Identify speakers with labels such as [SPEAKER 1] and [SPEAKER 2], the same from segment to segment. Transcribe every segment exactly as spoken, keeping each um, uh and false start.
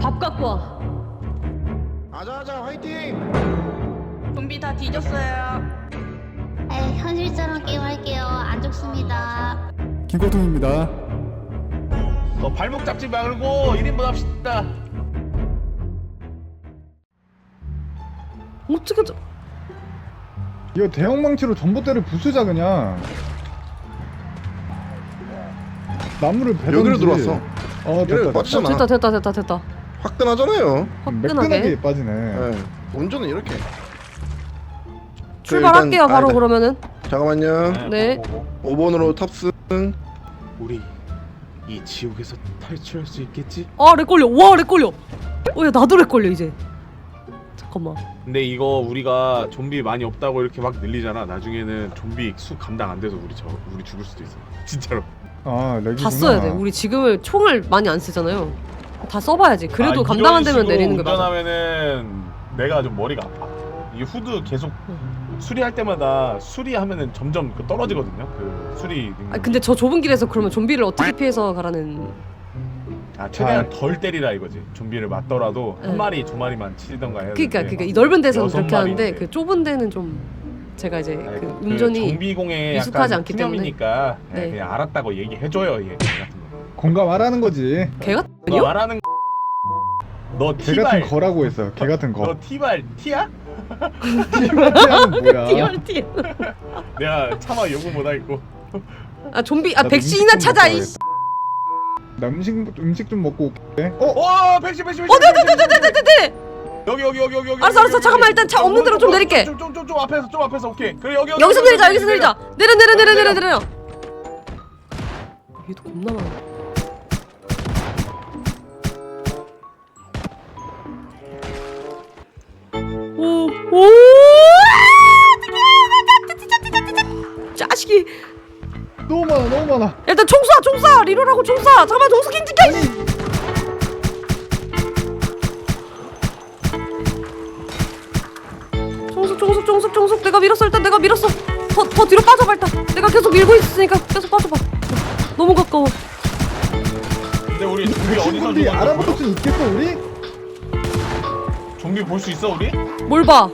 [SPEAKER 1] 밥 갖고 와.
[SPEAKER 2] 아자아자 화이팅!
[SPEAKER 3] 좀비 다 뒤졌어요.
[SPEAKER 4] 에 현실처럼 게임할게요. 안 죽습니다.
[SPEAKER 5] 김고통입니다.
[SPEAKER 6] 너 발목 잡지 말고 일 인분 합시다.
[SPEAKER 1] 어떻게 저...
[SPEAKER 5] 이거 대형망치로 전봇대를 부수자 그냥. 나무를 베던지.
[SPEAKER 2] 여기로 들어왔어.
[SPEAKER 5] 어
[SPEAKER 2] 여기로
[SPEAKER 5] 됐다.
[SPEAKER 2] 빠지잖아.
[SPEAKER 1] 됐다 됐다 됐다 됐다.
[SPEAKER 2] 화끈하잖아요.
[SPEAKER 1] 화끈하게.
[SPEAKER 5] 매끈하게 빠지네.
[SPEAKER 2] 네. 운전은 이렇게.
[SPEAKER 1] 출발할게요
[SPEAKER 2] 일단-
[SPEAKER 1] 바로
[SPEAKER 2] 아, 네.
[SPEAKER 1] 그러면은.
[SPEAKER 2] 잠깐만요.
[SPEAKER 1] 네.
[SPEAKER 2] 오 번으로 탑승.
[SPEAKER 6] 우리 이 지옥에서 탈출할 수 있겠지?
[SPEAKER 1] 아 렉 걸려. 와 렉 걸려. 어야 나도 렉 걸려 이제. 잠깐만.
[SPEAKER 6] 근데 이거 우리가 좀비 많이 없다고 이렇게 막 늘리잖아. 나중에는 좀비 수 감당 안 돼서 우리 저 우리 죽을 수도 있어. 진짜로.
[SPEAKER 5] 아 렉이구나.
[SPEAKER 1] 다 써야 돼. 우리 지금을 총을 많이 안 쓰잖아요. 다 써봐야지. 그래도
[SPEAKER 6] 아,
[SPEAKER 1] 감당 안
[SPEAKER 6] 이런
[SPEAKER 1] 되면
[SPEAKER 6] 식으로
[SPEAKER 1] 내리는 게 맞아.
[SPEAKER 6] 운전하면은 내가 좀 머리가 아파. 이게 후드 계속 수리할 때마다 수리하면은 점점 그 떨어지거든요. 그 수리 능력이.
[SPEAKER 1] 아 근데 저 좁은 길에서 그러면 좀비를 어떻게 피해서 가라는.
[SPEAKER 6] 아 최대한 덜 때리라 이거지. 좀비를 맞더라도
[SPEAKER 1] 네.
[SPEAKER 6] 한 마리 두 마리만 치던가 해야
[SPEAKER 1] 그러니까
[SPEAKER 6] 되는데
[SPEAKER 1] 그러니까 이 넓은 데서는
[SPEAKER 6] 여섯
[SPEAKER 1] 그렇게 하는데
[SPEAKER 6] 마리인데.
[SPEAKER 1] 그 좁은 데는 좀 제가 이제
[SPEAKER 6] 아니,
[SPEAKER 1] 그
[SPEAKER 6] 그
[SPEAKER 1] 운전이
[SPEAKER 6] 좀비공에
[SPEAKER 1] 미숙하지
[SPEAKER 6] 약간
[SPEAKER 1] 않기 때문에.
[SPEAKER 6] 푸념이니까
[SPEAKER 1] 네.
[SPEAKER 6] 그냥 알았다고 얘기해줘요 얘 같은 거.
[SPEAKER 5] 공감하라는 거지.
[SPEAKER 1] 개
[SPEAKER 6] 너
[SPEAKER 1] 같은요?
[SPEAKER 6] 말하는 너
[SPEAKER 5] 개
[SPEAKER 6] 티발
[SPEAKER 5] 같은 거라고 했어. 개 같은 거.
[SPEAKER 6] 너 티발 티야?
[SPEAKER 5] 티는 뭐야?
[SPEAKER 1] 디얼티.
[SPEAKER 6] 내가 차마 욕을 못하겠고.
[SPEAKER 1] 아 좀비 아
[SPEAKER 5] 나도
[SPEAKER 1] 백신이나
[SPEAKER 5] 음식 좀
[SPEAKER 1] 찾아
[SPEAKER 5] 먹어야겠다.
[SPEAKER 1] 이.
[SPEAKER 5] 나 음식 음식 좀 먹고 올게. 어?
[SPEAKER 6] 와 백신 백신 백신.
[SPEAKER 1] 어, 네네네네네네.
[SPEAKER 6] 여기 여기 여기 여기 여기.
[SPEAKER 1] 알았어, 알았어. 잠깐만, 일단 차 없는 데로 좀 내릴게.
[SPEAKER 6] 좀좀좀 좀 앞에서 좀 앞에서 오케이. 그래 여기 여기.
[SPEAKER 1] 여기서
[SPEAKER 6] 여기,
[SPEAKER 1] 내리자.
[SPEAKER 6] 여기,
[SPEAKER 1] 여기서
[SPEAKER 6] 여기,
[SPEAKER 1] 내리자. 내려 내려 내려 내려 내려. 얘도 겁나 많아. 오 오. 자식이.
[SPEAKER 5] 너무 많아 너무 많아.
[SPEAKER 1] 일단 총 쏴, 총 쏴. 리로라고 총 쏴. 잠깐만, 정수기 찍혀. 종숙, 종숙, 종숙, 종숙. 내가 밀었어. 일단 내가 밀었어. 더, 더 뒤로 빠져봐 일단. 내가 계속 밀고 있으니까 계속 빠져봐. 너무 가까워.
[SPEAKER 6] 근데 우리 좀비 어디서
[SPEAKER 5] 친구들이
[SPEAKER 6] 죽었어?
[SPEAKER 5] 알아볼 수 있겠어 우리?
[SPEAKER 6] 좀비 볼 수 있어 우리?
[SPEAKER 1] 뭘 봐?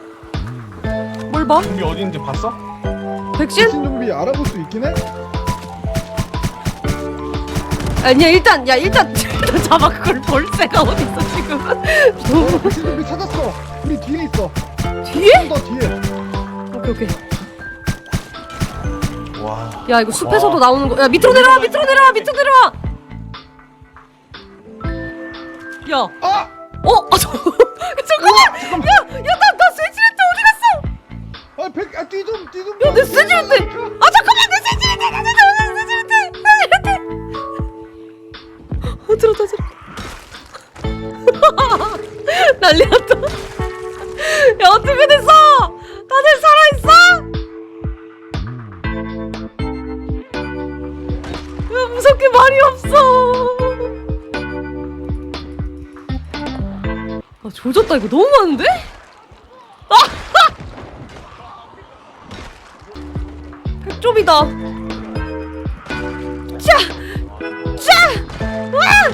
[SPEAKER 1] 뭘 봐?
[SPEAKER 6] 좀비 어디 있는지 봤어?
[SPEAKER 1] 백신?
[SPEAKER 5] 신좀비 알아볼 수 있긴 해?
[SPEAKER 1] 아니야 일단 야 일단 일단 잡아. 그걸 볼 새가 어딨어 지금.
[SPEAKER 5] 어, 백신좀비 찾았어. 우리 뒤에 있어.
[SPEAKER 1] 뒤에?
[SPEAKER 5] 좀 더 뒤에.
[SPEAKER 1] 오케이 오케이.
[SPEAKER 6] 와.
[SPEAKER 1] 야 이거 숲에서도
[SPEAKER 6] 와.
[SPEAKER 1] 나오는 거. 야 밑으로 내려와 밑으로 내려와 밑으로 내려와. 야.
[SPEAKER 5] 아!
[SPEAKER 1] 어? 아 저. 잠깐만. 야야나나 쇠지렛대 어디 갔어?
[SPEAKER 5] 아 백, 아, 뒤 좀, 뒤 좀.
[SPEAKER 1] 야, 내 쇠지렛대! 아 잠깐만 내 쇠지렛대! 내 쇠지렛대! 쇠지렛대! 어 들었다 들었다. 난리 났다. 야 어떻게 됐어? 다들 살아있어? 야 무섭게 말이 없어. 아 조졌다. 이거 너무 많은데? 백조비다. 자! 자! 와!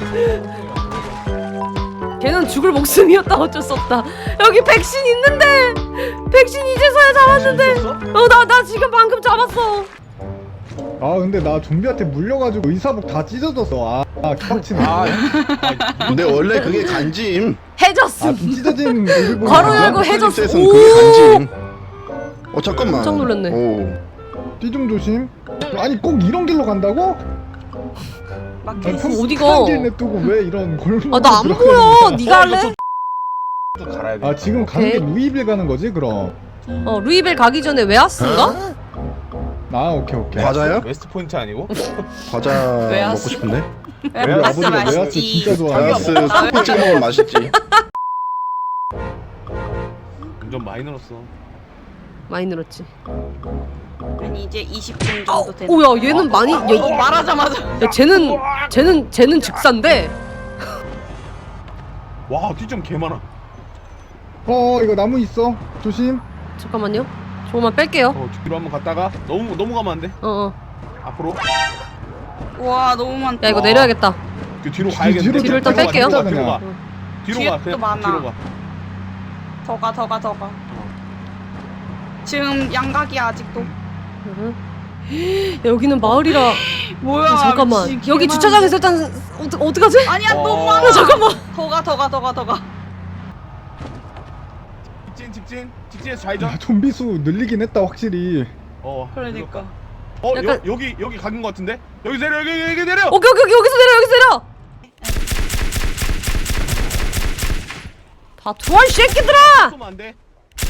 [SPEAKER 1] 걔는 죽을 목숨이었다. 어쩔 수 없다. 여기 백신 있는데! 백신 이제서야 잡았는데! 어, 나, 나 지금 방금 잡았어.
[SPEAKER 5] 아 근데 나 좀비한테 물려가지고 의사복 다 찢어졌어. 아, 아 빡치네.
[SPEAKER 6] 아.
[SPEAKER 2] 근데 원래 그게 간짐.
[SPEAKER 1] 해졌음.
[SPEAKER 5] 아좀 찢어진 얼굴 보면
[SPEAKER 1] 괄호
[SPEAKER 5] 알아?
[SPEAKER 1] 열고 해줬어.
[SPEAKER 2] 셀프에서는
[SPEAKER 1] 오!
[SPEAKER 2] 그게 간짐. 어 잠깐만.
[SPEAKER 1] 깜짝 놀랐네.
[SPEAKER 2] 오.
[SPEAKER 5] 뒤좀 조심. 아니 꼭 이런 길로 간다고?
[SPEAKER 3] 막
[SPEAKER 5] 아니,
[SPEAKER 1] 그럼 어디가?
[SPEAKER 5] 편한 길 냅두고 왜 이런 골목?
[SPEAKER 1] 아, 나 안 보여. 네가 할래?
[SPEAKER 6] 또 갈아야 돼.
[SPEAKER 5] 아 지금 가는 게
[SPEAKER 1] 오케이.
[SPEAKER 5] 루이빌 가는 거지 그럼?
[SPEAKER 1] 어, 루이벨 가기 전에 웨하스인가?
[SPEAKER 5] 아 오케이 오케이.
[SPEAKER 2] 과자요?
[SPEAKER 6] 웨스트 포인트 아니고?
[SPEAKER 2] 과자
[SPEAKER 3] 왜
[SPEAKER 2] 먹고
[SPEAKER 3] 왔어?
[SPEAKER 2] 싶은데.
[SPEAKER 5] 우리
[SPEAKER 3] 웨하스
[SPEAKER 5] 아버지가 웨하스
[SPEAKER 3] 맛있지.
[SPEAKER 5] 진짜 좋아해.
[SPEAKER 2] 바이러스 소프트 먹으면 맛있지.
[SPEAKER 6] 운전 많이 늘었어.
[SPEAKER 1] 많이 늘었지.
[SPEAKER 3] 아니 이제 이십 분 정도 되는.
[SPEAKER 1] 오야 얘는 많이.
[SPEAKER 3] 어,
[SPEAKER 1] 얘,
[SPEAKER 3] 말하자마자.
[SPEAKER 1] 야 쟤는 쟤는 쟤는 즉사인데.
[SPEAKER 6] 와 뒤좀 개 많아.
[SPEAKER 5] 어 이거 나무 있어. 조심.
[SPEAKER 1] 잠깐만요. 조금만 뺄게요.
[SPEAKER 6] 어 뒤로 한번 갔다가 너무 너무 가면 안 돼.
[SPEAKER 1] 어어.
[SPEAKER 6] 앞으로.
[SPEAKER 3] 와 너무 많다.
[SPEAKER 1] 야 이거
[SPEAKER 6] 와.
[SPEAKER 1] 내려야겠다.
[SPEAKER 6] 그 뒤로 가야겠는데.
[SPEAKER 5] 뒤로
[SPEAKER 1] 뒤로 일단
[SPEAKER 6] 뒤로 가,
[SPEAKER 1] 뺄게요.
[SPEAKER 6] 뒤로 가, 뒤로 가.
[SPEAKER 5] 그냥.
[SPEAKER 6] 뒤로
[SPEAKER 3] 뒤에
[SPEAKER 6] 가.
[SPEAKER 3] 또
[SPEAKER 6] 그냥
[SPEAKER 3] 많아.
[SPEAKER 6] 뒤로 가.
[SPEAKER 3] 더 가, 더 가, 더 가. 지금 양각이야 아직도.
[SPEAKER 1] 응. 여기는 마을이라.
[SPEAKER 3] 뭐야?
[SPEAKER 1] 야, 잠깐만.
[SPEAKER 3] 미친,
[SPEAKER 1] 여기
[SPEAKER 3] 개많아.
[SPEAKER 1] 주차장에서 일단 어떡 어떡하지?
[SPEAKER 3] 아니야
[SPEAKER 6] 어.
[SPEAKER 3] 너무 많아.
[SPEAKER 1] 야, 잠깐만.
[SPEAKER 3] 더 가, 더 가, 더 가, 더 가.
[SPEAKER 6] 직진 직진 직진에서 좌회전.
[SPEAKER 5] 야, 좀비 수 늘리긴 했다 확실히.
[SPEAKER 6] 어.
[SPEAKER 3] 그러니까.
[SPEAKER 6] 어
[SPEAKER 1] 약간-
[SPEAKER 6] 여, 여기 여기 가는 것 같은데? 여기 내려 여기 여기 내려.
[SPEAKER 1] 오케이 오케이 오케이 여기서 내려 여기서 내려. 다 도와 이 새끼들아.
[SPEAKER 6] 쏘면 안 돼.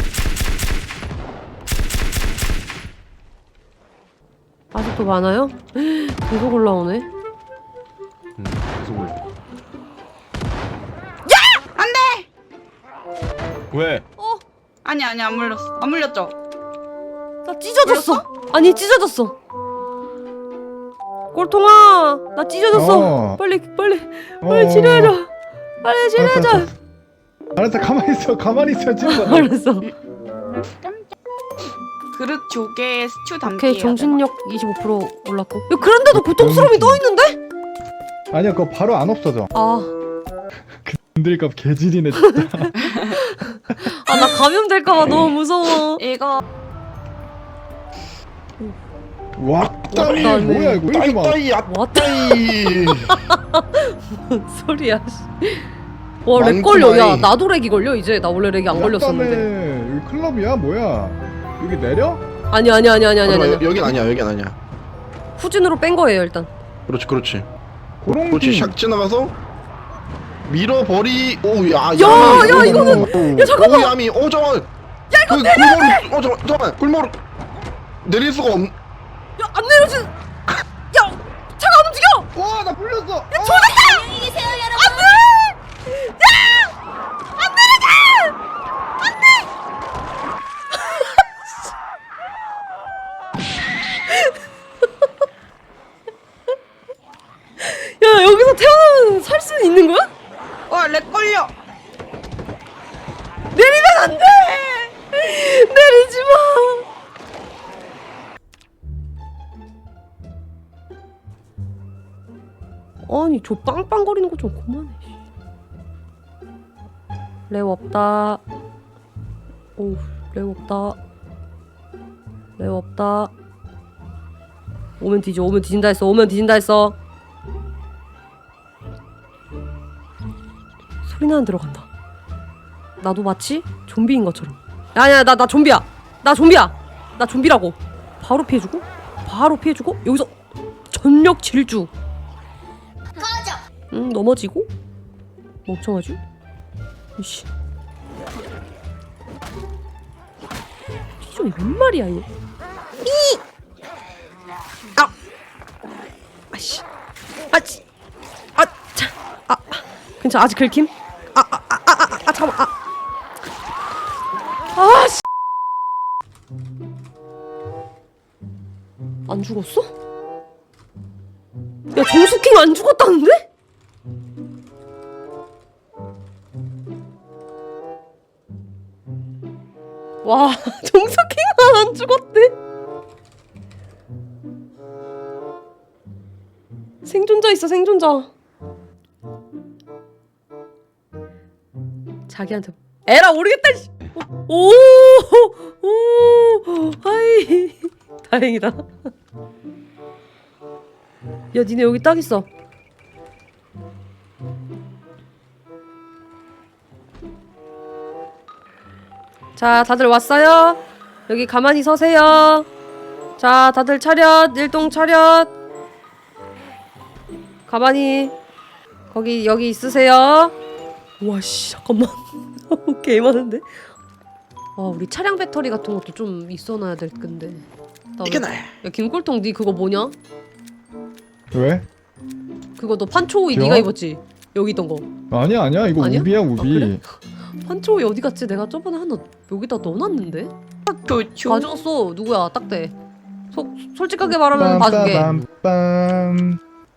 [SPEAKER 1] 아직도 많아요? 계속 올라오네.
[SPEAKER 6] 응. 계속 올려.
[SPEAKER 3] 안 돼.
[SPEAKER 6] 왜?
[SPEAKER 1] 어?
[SPEAKER 3] 아니 아니 안 물렸어. 안 물렸죠?
[SPEAKER 1] 나 찢어졌어. 아니 찢어졌어. 꼴통아, 나 찢어졌어.
[SPEAKER 5] 어.
[SPEAKER 1] 빨리 빨리 빨리
[SPEAKER 5] 어.
[SPEAKER 1] 치료해줘. 빨리 치료해줘.
[SPEAKER 5] 알았어, 알았어 가만히 있어 가만히 있어 지금.
[SPEAKER 1] 알았어.
[SPEAKER 3] 그릇 조개에 스튜 담기.
[SPEAKER 1] 오케이 정신력 이십오 퍼센트 올랐고. 야, 그런데도 고통스러움이 떠 있는데?
[SPEAKER 5] 아니야 그거 바로 안 없어져.
[SPEAKER 1] 아,
[SPEAKER 5] 흔들값 개질이네 진짜.
[SPEAKER 1] 아 나 감염될까봐 너무 무서워.
[SPEAKER 3] 이거
[SPEAKER 5] 왔다니
[SPEAKER 1] 왔다니.
[SPEAKER 5] 뭐야 이거 왜 이렇게 많아.
[SPEAKER 2] 따이 야
[SPEAKER 1] 왔다.
[SPEAKER 2] 따이.
[SPEAKER 1] 뭔 소리야? 씨. 와, 렉 걸려. 야, 나도 렉이 걸려 이제. 나 원래 렉이 안 걸렸었는데.
[SPEAKER 5] 왔다네. 여기 클럽이야 뭐야? 여기 내려?
[SPEAKER 1] 아니 아니 아니 아니 아니 아니.
[SPEAKER 2] 여긴 아니야 여긴 아니야.
[SPEAKER 1] 후진으로 뺀 거예요 일단.
[SPEAKER 2] 그렇지 그렇지.
[SPEAKER 5] 고롱.
[SPEAKER 2] 그렇지 샥 지나가서 밀어버리. 오야
[SPEAKER 1] 야, 야, 이거는- 야, 잠깐만.
[SPEAKER 2] 오 야미. 오 잠깐. 야 이거 그, 골목으로. 어 잠깐 잠깐 골목으로 내릴 수가 없.
[SPEAKER 1] 야, 안 내려지. 야, 차가 안 움직여.
[SPEAKER 5] 와나 불렸어. 야
[SPEAKER 1] 안녕히 계세요 여러분. 안돼. 야, 안 내려지. 안돼. 야, 여기서 태어나면 살 수는 있는 거야?
[SPEAKER 3] 와렉 걸려.
[SPEAKER 1] 내리면 안 돼. 내리지 마. 아니 저 빵빵거리는 거 좀 그만해. 레오 없다. 오, 레오 없다. 레오 없다. 오면 뒤져. 오면 뒤진다 했어. 오면 뒤진다 했어. 소리 나는 들어간다. 나도 마치 좀비인 것처럼. 아니야, 나 나 좀비야. 나 좀비야. 나 좀비라고. 바로 피해주고, 바로 피해주고. 여기서 전력 질주. 응, 넘어지고. 멍청하지? 이씨. 피존이 웬 말이야 이거. 이. 아. 아씨. 아씨. 아. 자. 아. 괜찮아. 아직 긁힘? 아. 아. 아. 아. 아. 아. 잠깐만. 아. 아. 씨. 안 죽었어? 야, 정수킹 안 죽었다는데? 와, 정수킹은 안 죽었대. 생존자 있어, 생존자. 자기한테 에라 모르겠다. 씨. 오, 오, 오, 하이. 다행이다. 야, 니네 여기 딱 있어. 자, 다들 왔어요? 여기 가만히 서세요. 자, 다들 차렷, 일동 차렷. 가만히. 거기, 여기 있으세요. 와씨, 잠깐만. 개 많은데? 아, 우리 차량 배터리 같은 것도 좀 있어놔야 될 건데. 나
[SPEAKER 2] 이게
[SPEAKER 1] 왜-
[SPEAKER 2] 나야.
[SPEAKER 1] 야, 김꿀통 니 그거 뭐냐?
[SPEAKER 5] 왜?
[SPEAKER 1] 그거 너 판초오이
[SPEAKER 5] 지워?
[SPEAKER 1] 네가 입었지? 여기 있던 거.
[SPEAKER 5] 아니야 아니야 이거
[SPEAKER 1] 아니야?
[SPEAKER 5] 우비야 우비.
[SPEAKER 1] 그래? 판초오이 어디 갔지? 내가 저번에 하나 여기다 넣어놨는데?
[SPEAKER 3] 좋죠.
[SPEAKER 1] 가져왔어. 누구야? 딱대. 소, 솔직하게 말하면 봐줄게.
[SPEAKER 5] 빰빰빰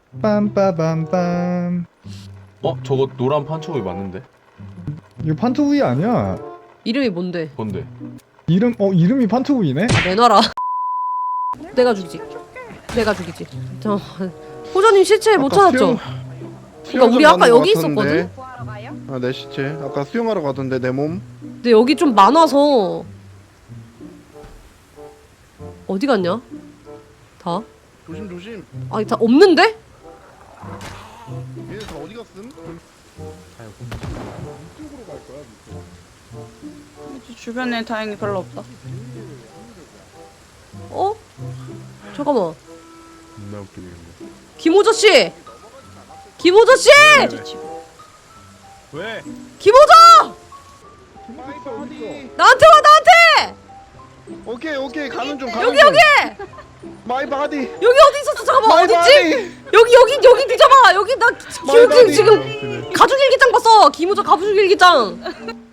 [SPEAKER 5] 빰빠밤빰.
[SPEAKER 6] 어 저거 노란 판초이 맞는데?
[SPEAKER 5] 이거 판초우이 아니야.
[SPEAKER 1] 이름이 뭔데?
[SPEAKER 6] 뭔데?
[SPEAKER 5] 이름 어 이름이 판초우이네.
[SPEAKER 1] 아, 내놔라. 내가 죽이지. 내가 죽이지. 저 호전님 시체 못 찾았죠? 그러니까 우리 아까 여기 있었거든?
[SPEAKER 3] 구하러 가요?
[SPEAKER 2] 어 아, 내 시체. 아까 수영하러 가던데 내 몸.
[SPEAKER 1] 근데 여기 좀 많아서 어디 갔냐? 다?
[SPEAKER 2] 조심 조심.
[SPEAKER 1] 아니 다 없는데?
[SPEAKER 2] 얘네 다 어디 갔음?
[SPEAKER 5] 이쪽으로 갈 거야. 밑으로.
[SPEAKER 3] 주변에 다행히 별로 없다.
[SPEAKER 1] 어? 잠깐만.
[SPEAKER 6] 존나 웃기네.
[SPEAKER 1] 김호저 씨! 김호저 씨!
[SPEAKER 6] 왜?
[SPEAKER 1] 김호저!
[SPEAKER 2] 마이 바디.
[SPEAKER 1] 나한테 와 나한테!
[SPEAKER 2] 오케이 오케이 가는 중 가는
[SPEAKER 1] 여기
[SPEAKER 2] 중.
[SPEAKER 1] 여기!
[SPEAKER 2] 마이 바디.
[SPEAKER 1] 여기 어디 있었어? 잠깐만
[SPEAKER 2] 마이
[SPEAKER 1] 어딨지?
[SPEAKER 2] 바디.
[SPEAKER 1] 여기 여기 여기 뒤져봐 여기 나
[SPEAKER 2] 마이
[SPEAKER 1] 기억이
[SPEAKER 2] 바디.
[SPEAKER 1] 지금 가족일기장 봤어 김호저 가족일기장